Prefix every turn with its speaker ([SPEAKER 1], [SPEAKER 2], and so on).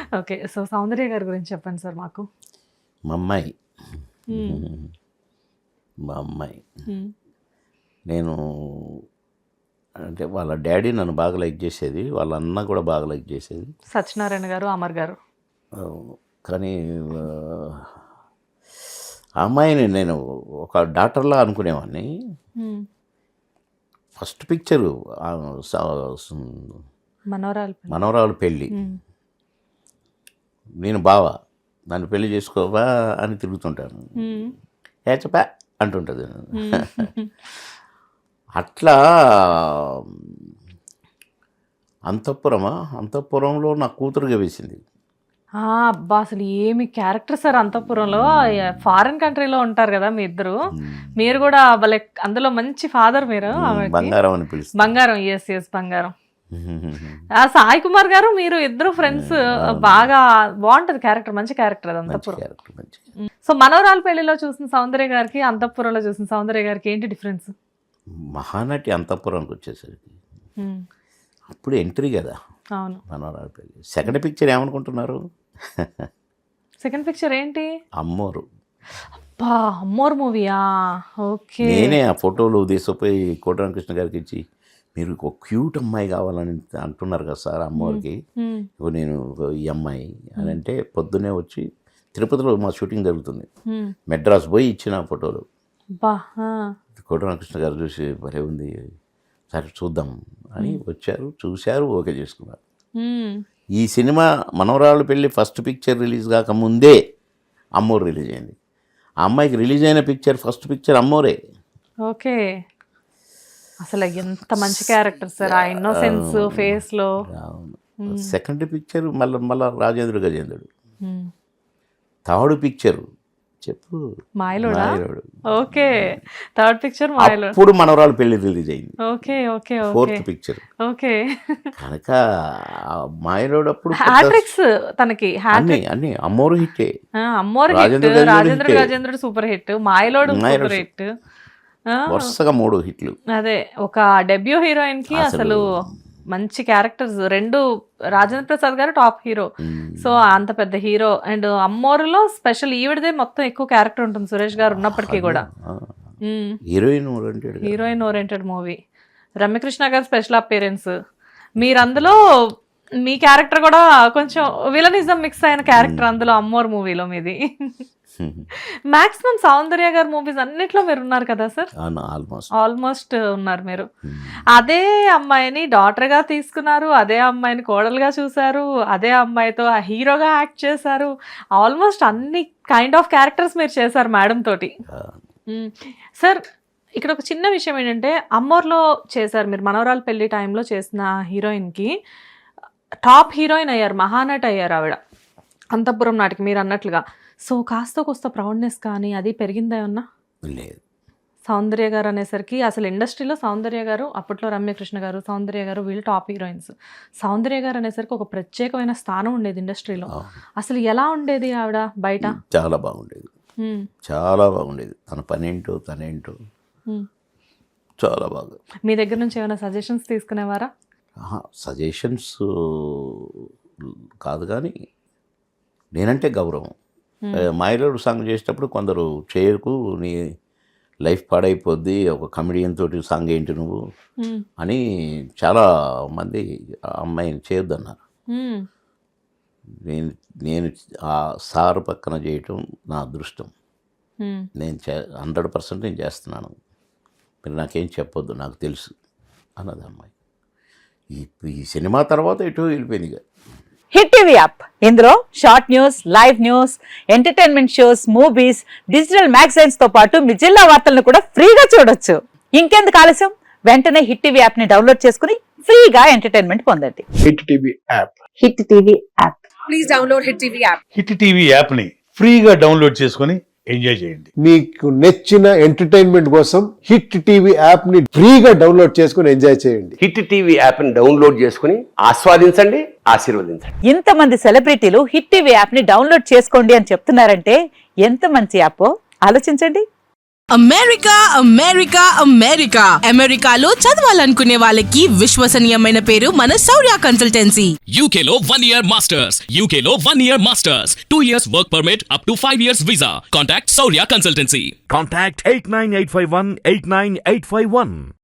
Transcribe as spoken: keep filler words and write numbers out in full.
[SPEAKER 1] Okay. So సౌందర్య గారి గురించి చెప్పండి సార్ మాకు.
[SPEAKER 2] మా అమ్మాయి
[SPEAKER 1] హ్మ్.
[SPEAKER 2] మా అమ్మాయి
[SPEAKER 1] హ్మ్.
[SPEAKER 2] నేను అంటే వాళ్ళ డాడీ నన్ను బాగా లైక్ చేసేది, వాళ్ళ అన్న కూడా బాగా లైక్ చేసేది.
[SPEAKER 1] సత్యనారాయణ గారు, అమర్ గారు.
[SPEAKER 2] ఆ, కానీ ఆ, ఆ అమ్మాయిని నేను ఒక డాక్టర్లా అనుకునేవాడిని.
[SPEAKER 1] హ్మ్.
[SPEAKER 2] First picture
[SPEAKER 1] Manavaralu.
[SPEAKER 2] మనవరాలు పెళ్ళి,
[SPEAKER 1] హ్మ్.
[SPEAKER 2] నేను బావా నన్ను పెళ్లి చేసుకోవా అని తిరుగుతుంటాను,
[SPEAKER 1] హ్మ్.
[SPEAKER 2] ఏచపా అంటుంటుంది.
[SPEAKER 1] హ్మ్.
[SPEAKER 2] అట్లా అంతఃపురమా అంతఃపురంలో నా కూతురుగా వేసింది.
[SPEAKER 1] ఆ! అబ్బా! అసలు ఏమి క్యారెక్టర్ సార్ అంతఃపురంలో. ఫారిన్ కంట్రీలో ఉంటారు కదా మీ ఇద్దరు. మీరు కూడా భలే అందులో మంచి ఫాదర్ మీరు ఆమెకి.
[SPEAKER 2] బంగారం అని పిలుస్తుంది.
[SPEAKER 1] బంగారం. ఎస్ ఎస్ బంగారం. ఆ సాయి కుమార్ గారు మీరు ఇద్దరు ఫ్రెండ్స్. బాగా బాగుంటది క్యారెక్టర్, మంచి క్యారెక్టర్ అది అంతఃపురం.
[SPEAKER 2] క్యారెక్టర్ మంచి.
[SPEAKER 1] సో మనోరాల పెళ్లిలో చూసిన సౌందర్య గారికి, అంతఃపురంలో చూసిన సౌందర్య గారికి ఏంటి డిఫరెన్స్?
[SPEAKER 2] మహానటి అంతఃపురానికి వచ్చేసరికి
[SPEAKER 1] ఉమ్,
[SPEAKER 2] అప్పుడు ఎంట్రీ కదా
[SPEAKER 1] అవును.
[SPEAKER 2] మనవరాలు పెళ్ళి. సెకండ్ పిక్చర్ ఏమనుకుంటున్నారు?
[SPEAKER 1] సెకండ్ పిక్చర్ ఏంటి?
[SPEAKER 2] అమ్మోరు.
[SPEAKER 1] అబ్బా అమ్మోర్ మూవీయా? ఓకే.
[SPEAKER 2] నేనే ఆ ఫోటోలు తీసుకుపోయి కోటరామకృష్ణ గారికి ఇచ్చి, మీరు ఒక క్యూట్ అమ్మాయి కావాలని అంటున్నారు కదా సార్ అమ్మవారికి,
[SPEAKER 1] ఉమ్,
[SPEAKER 2] ఇగో నేను ఈ అమ్మాయి అని అంటే పొద్దున్నే వచ్చి తిరుపతిలో మా షూటింగ్ జరుగుతుంది,
[SPEAKER 1] ఉమ్,
[SPEAKER 2] మెడ్రాస్ పోయి ఇచ్చిన ఫోటోలు.
[SPEAKER 1] అబ్బా ఆ,
[SPEAKER 2] కోటరామకృష్ణ గారు చూసి భలే ఉంది, సరే చూద్దాం అని వచ్చారు, చూశారు, ఓకే చేసుకున్నారు.
[SPEAKER 1] ఉమ్,
[SPEAKER 2] ఈ సినిమా మనవరాలు పెళ్ళి ఫస్ట్ పిక్చర్ రిలీజ్ కాక ముందే అమ్మోరు రిలీజ్ అయింది. ఆ అమ్మాయికి రిలీజ్ అయిన పిక్చర్ ఫస్ట్ పిక్చర్ అమ్మోరే.
[SPEAKER 1] ఓకే. అసలు ఎంత మంచి క్యారెక్టర్ సార్ ఆ ఇన్నోసెన్స్ ఫేస్ లో.
[SPEAKER 2] సెకండ్ పిక్చర్ మళ్ళీ మళ్ళా రాజేంద్ర గజేంద్రుడు.
[SPEAKER 1] ఉమ్,
[SPEAKER 2] థర్డ్ పిక్చర్ చెప్పు
[SPEAKER 1] మాయలోడా?
[SPEAKER 2] మాయలోడు.
[SPEAKER 1] ఓకే. థర్డ్ పిక్చర్ మాయలో.
[SPEAKER 2] అప్పుడు మనవరాలు పెళ్లి రిలీజ్ అయింది.
[SPEAKER 1] Okay okay okay
[SPEAKER 2] fourth picture
[SPEAKER 1] okay.
[SPEAKER 2] కనుక ఆ మాయలోడు అప్పుడు
[SPEAKER 1] హ్యాట్రిక్స్ తనకి.
[SPEAKER 2] అన్ని అన్ని అమ్మోరు హిట్టే.
[SPEAKER 1] అమ్మోరు హిట్,
[SPEAKER 2] రాజేంద్ర గజేంద్రుడు
[SPEAKER 1] రాజేంద్ర
[SPEAKER 2] హిట్టే.
[SPEAKER 1] Gajendrudu super hit, Mayalodu
[SPEAKER 2] Mayalodu
[SPEAKER 1] super hit.
[SPEAKER 2] వరుసగా మూడు హిట్లు.
[SPEAKER 1] అదే ఒక డెబ్యూ హీరోయిన్ కి
[SPEAKER 2] అసలు
[SPEAKER 1] అసలు మంచి క్యారెక్టర్స్ రెండు. రాజేంద్ర ప్రసాద్ గారు టాప్ హీరో, సో అంత పెద్ద హీరో. అండ్ అమ్మోరులో స్పెషల్ ఈవిడదే మొత్తం ఎక్కువ క్యారెక్టర్ ఉంటుంది సురేష్ గారు ఉన్నప్పటికీ కూడా.
[SPEAKER 2] Heroine oriented
[SPEAKER 1] heroine oriented movie. Ramyakrishna గారు స్పెషల్ అపీరెన్స్. మీరు అందులో మీ క్యారెక్టర్ కూడా కొంచెం విలనిజం మిక్స్ అయిన క్యారెక్టర్ అందులో అమ్మోర్ మూవీలో మీది. మాక్సిమం సౌందర్య గారు మూవీస్ అన్నిట్లో మీరు ఉన్నారు కదా సార్?
[SPEAKER 2] ఆల్మోస్ట్
[SPEAKER 1] ఆల్మోస్ట్ ఉన్నారు మీరు. అదే అమ్మాయిని డాటర్ గా తీసుకున్నారు, అదే అమ్మాయిని కోడలుగా చూసారు, అదే అమ్మాయితో హీరోగా యాక్ట్ చేశారు. ఆల్మోస్ట్ అన్ని కైండ్ ఆఫ్ క్యారెక్టర్స్ మీరు చేశారు మేడం తోటి. సార్ ఇక్కడ ఒక చిన్న విషయం ఏంటంటే, అమ్మోర్లో చేశారు మీరు, మనవరాలు పెళ్లి టైంలో చేసిన హీరోయిన్కి టాప్ హీరోయిన్ అయ్యారు, మహానటి అయ్యారు ఆవిడ అంతఃపురం నాటికి మీరు అన్నట్లుగా. సో కాస్త కొస్త ప్రౌడ్నెస్ కానీ అది పెరిగిందా ఏమన్నా?
[SPEAKER 2] లేదు.
[SPEAKER 1] సౌందర్య గారు అనేసరికి అసలు ఇండస్ట్రీలో సౌందర్య గారు, అప్పట్లో రమ్యకృష్ణ గారు, సౌందర్య గారు వీళ్ళు టాప్ హీరోయిన్స్. సౌందర్య గారు అనేసరికి ఒక ప్రత్యేకమైన స్థానం ఉండేది ఇండస్ట్రీలో. అసలు ఎలా ఉండేది ఆవిడ బయట?
[SPEAKER 2] చాలా బాగుండేది, చాలా బాగుండేది. తన పనేంటో తనేంటో చాలా బాగా.
[SPEAKER 1] మీ దగ్గర నుంచి ఏమైనా సజెషన్స్ తీసుకునేవారా?
[SPEAKER 2] సజెషన్స్ కాదు కానీ నేనంటే గౌరవం. మాయలోడు సాంగ్ చేసేటప్పుడు కొందరు చేయకు, నీ లైఫ్ పాడైపోద్ది, ఒక కమెడియన్ తోటి సాంగ్ ఏంటి నువ్వు అని చాలా మంది ఆ అమ్మాయిని చేయొద్దన్నారు. నేను నేను ఆ సార్ పక్కన చేయటం నా అదృష్టం. నేను చే హండ్రెడ్ పర్సెంట్ నేను చేస్తున్నాను, మీరు నాకేం చెప్పొద్దు, నాకు తెలుసు అన్నది అమ్మాయి. ఈ ఈ సినిమా తర్వాత ఎటు వెళ్ళిపోయింది ఇక.
[SPEAKER 3] హిట్ టీవీ యాప్, ఇందులో short news, live news, entertainment shows, movies, digital magazines తో పాటు మీ జిల్లా వార్తలను కూడా ఫ్రీగా చూడొచ్చు. ఇంకెందుకు ఆలస్యం, వెంటనే హిట్ టీవీ యాప్ ని డౌన్లోడ్ చేసుకుని ఫ్రీగా ఎంటర్టైన్మెంట్ పొందండి.
[SPEAKER 4] Hit TV app,
[SPEAKER 3] hit TV app,
[SPEAKER 5] please download hit TV app.
[SPEAKER 4] Hit TV app ని ఫ్రీగా డౌన్లోడ్ చేసుకుని ఎంజాయ్ చేయండి.
[SPEAKER 6] మీకు నచ్చిన ఎంటర్టైన్మెంట్ కోసం హిట్ టీవీ యాప్ ని ఫ్రీగా డౌన్లోడ్ చేసుకుని ఎంజాయ్ చేయండి.
[SPEAKER 7] హిట్ టీవీ యాప్ ని డౌన్లోడ్ చేసుకుని ఆస్వాదించండి, ఆశీర్వదించండి.
[SPEAKER 3] ఇంతమంది సెలబ్రిటీలు హిట్ టీవీ యాప్ ని డౌన్లోడ్ చేసుకోండి అని చెప్తున్నారంటే ఎంత మంచి యాప్ ఆలోచించండి.
[SPEAKER 5] అమెరికా అమెరికా అమెరికా అమెరికాలో చదవాలనుకునే వాళ్ళకి విశ్వసనీయమైన పేరు మన శౌర్య కన్సల్టెన్సీ.
[SPEAKER 8] U K లో one year masters. U K లో one year masters. two years work permit up to five years visa. Contact Saurya Consultancy.
[SPEAKER 9] Contact eight nine eight five one eight nine eight five one.